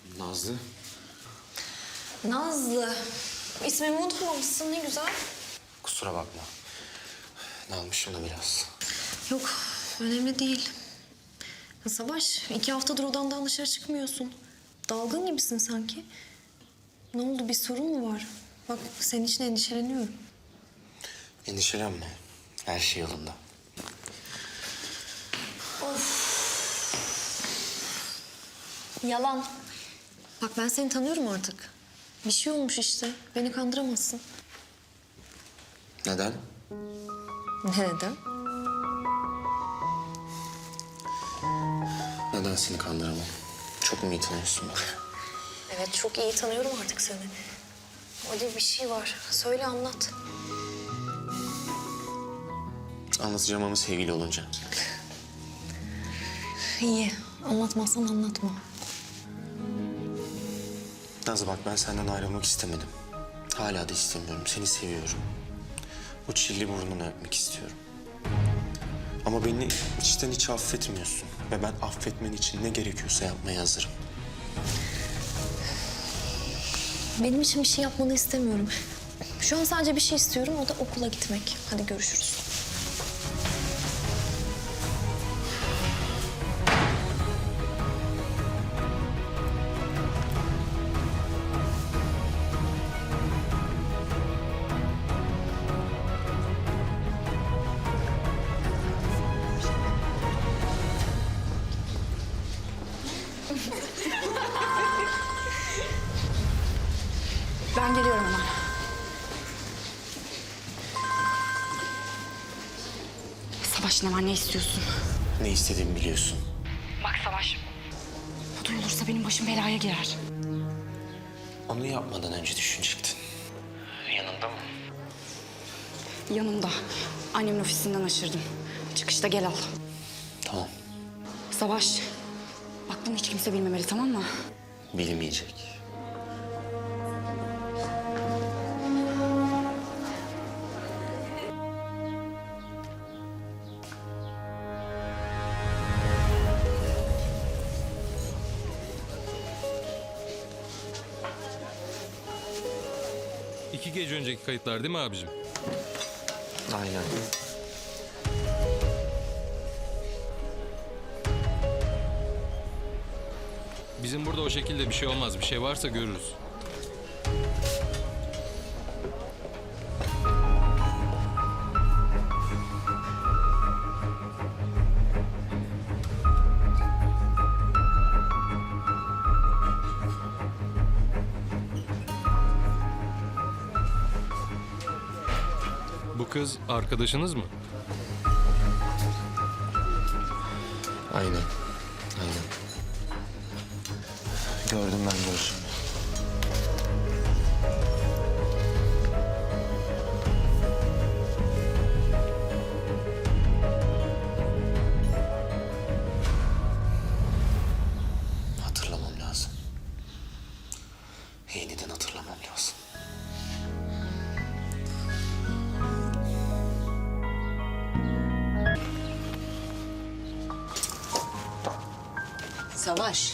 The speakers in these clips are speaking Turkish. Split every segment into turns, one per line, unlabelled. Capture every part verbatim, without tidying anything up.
Nazlı.
Nazlı. İsmimi unutmamışsın, ne güzel.
Kusura bakma. Dalmışım da biraz.
Yok, önemli değil. Ya Savaş, iki haftadır odandan dışarı çıkmıyorsun. Dalgın gibisin sanki. Ne oldu, bir sorun mu var? Bak, senin için endişeleniyorum.
Endişelenme. Her şey yolunda.
Yalan. Bak, ben seni tanıyorum artık. Bir şey olmuş işte. Beni kandıramazsın.
Neden?
Neden?
Neden seni kandıramam? Çok mu iyi tanıyorsun beni?
Evet, çok iyi tanıyorum artık seni. Öyle bir şey var. Söyle, anlat.
Anlatacağım ama sevgili olunca.
İyi. Anlatmazsan anlatma.
Nazlı bak, ben senden ayrılmak istemedim. Hala da istemiyorum. Seni seviyorum. O çilli burnunu öpmek istiyorum. Ama beni içten içe affetmiyorsun. Ve ben affetmen için ne gerekiyorsa yapmaya hazırım.
Benim için bir şey yapmanı istemiyorum. Şu an sadece bir şey istiyorum, o da okula gitmek. Hadi görüşürüz.
Ben geliyorum hemen. Savaş, ne var, ne istiyorsun?
Ne istediğimi biliyorsun.
Bak Savaş, bu duyulursa benim başım belaya girer.
Onu yapmadan önce düşünecektin. Yanında mı?
Yanımda. Annemin ofisinden aşırdım. Çıkışta gel al.
Tamam.
Savaş, bak bunu hiç kimse bilmemeli, tamam mı?
Bilmeyecek.
İki gece önceki kayıtlar değil mi abicim?
Aynen.
Bizim burada o şekilde bir şey olmaz. Bir şey varsa görürüz. Bu kız arkadaşınız mı?
Aynen. Aynen. Gördüm ben görüşümü. Hatırlamam lazım. Yeniden hatırlamam lazım.
Savaş.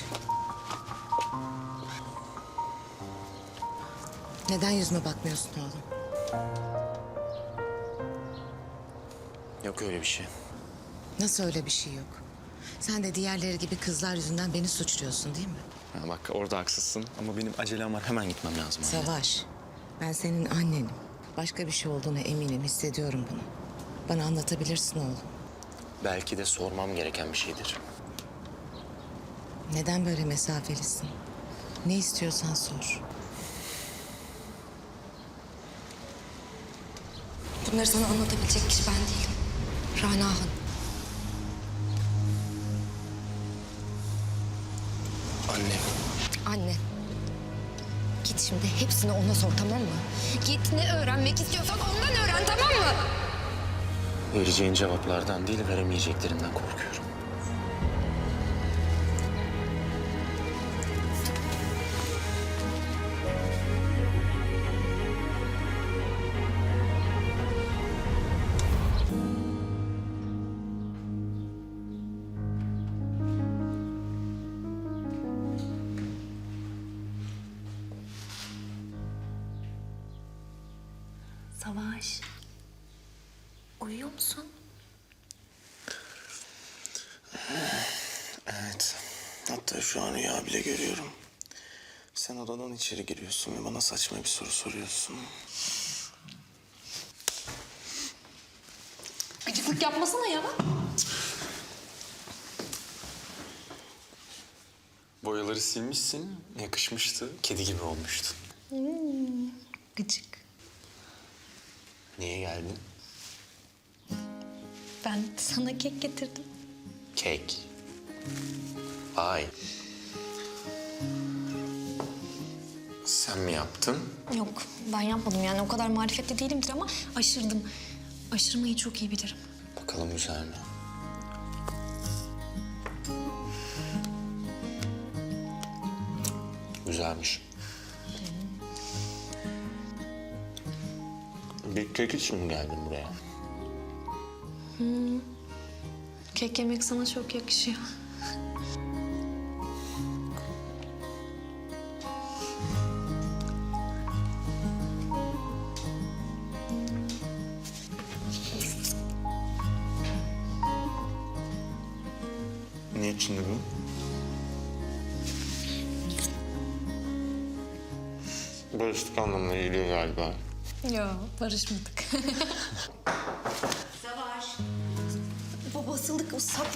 Neden yüzüme bakmıyorsun oğlum?
Yok öyle bir şey.
Nasıl öyle bir şey yok? Sen de diğerleri gibi kızlar yüzünden beni suçluyorsun değil mi?
Ha bak, orada haksızsın ama benim acelem var. Hemen gitmem lazım. anne.
Savaş, ben senin annenim. Başka bir şey olduğuna eminim, hissediyorum bunu. Bana anlatabilirsin oğlum.
Belki de sormam gereken bir şeydir.
Neden böyle mesafelisin? Ne istiyorsan sor.
Bunları sana anlatabilecek kişi ben değilim. Rana Hanım.
Annem.
Anne. Git şimdi hepsini ona sor, tamam mı? Git, ne öğrenmek istiyorsan ondan öğren, tamam mı?
Vereceğin cevaplardan değil, veremeyeceklerinden korkuyorum.
Savaş. Uyuyor musun?
Evet. Hatta şu an rüya bile görüyorum. Sen odadan içeri giriyorsun ve bana saçma bir soru soruyorsun.
Gıcıklık yapmasana ya.
Boyaları silmişsin, yakışmıştı. Kedi gibi olmuştun.
Gıcık.
Niye geldin?
Ben sana kek getirdim.
Kek. Vay. Sen mi yaptın?
Yok, ben yapmadım. Yani o kadar marifetli değilimdir ama aşırdım. Aşırmayı çok iyi bilirim.
Bakalım güzel mi? Güzelmiş. Bir kek için mi geldin buraya?
Kek yemek sana çok yakışıyor.
Ne içindi bu? Barıştık anlamına geliyor galiba.
Yok, barışmadık.
Savaş.
Baba basıldık, ıslak.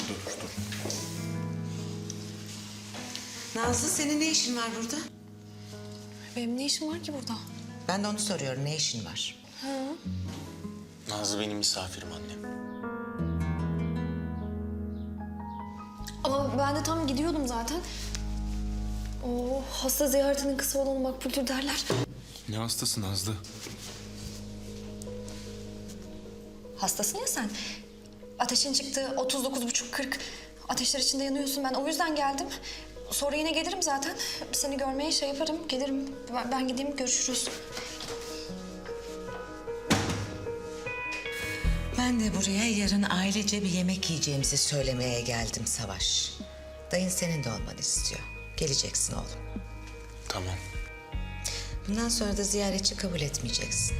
Nazlı senin ne işin var burada?
Benim ne işim var ki burada?
Ben de onu soruyorum, ne işin var?
Nazlı benim misafirim annem.
Ama ben de tam gidiyordum zaten. O hasta ziyaretinin kısa olanı makbuldür derler.
Ne hastası Nazlı?
Hastasın ya sen. Ateşin çıktı otuz dokuz buçuk kırk. Ateşler içinde yanıyorsun. Ben o yüzden geldim. Sonra yine gelirim zaten. Seni görmeye şey yaparım. Gelirim. Ben, ben gideyim, görüşürüz.
Ben de buraya yarın ailece bir yemek yiyeceğimizi söylemeye geldim Savaş. Dayın senin de olmanı istiyor. Geleceksin oğlum.
Tamam.
Bundan sonra da ziyaretçi kabul etmeyeceksin.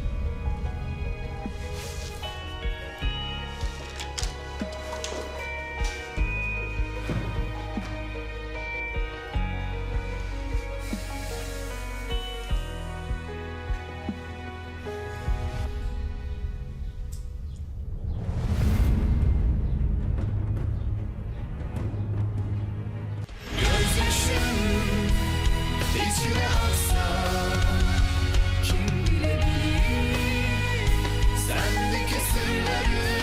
İçine aksa kim bilebilir sendeki sırları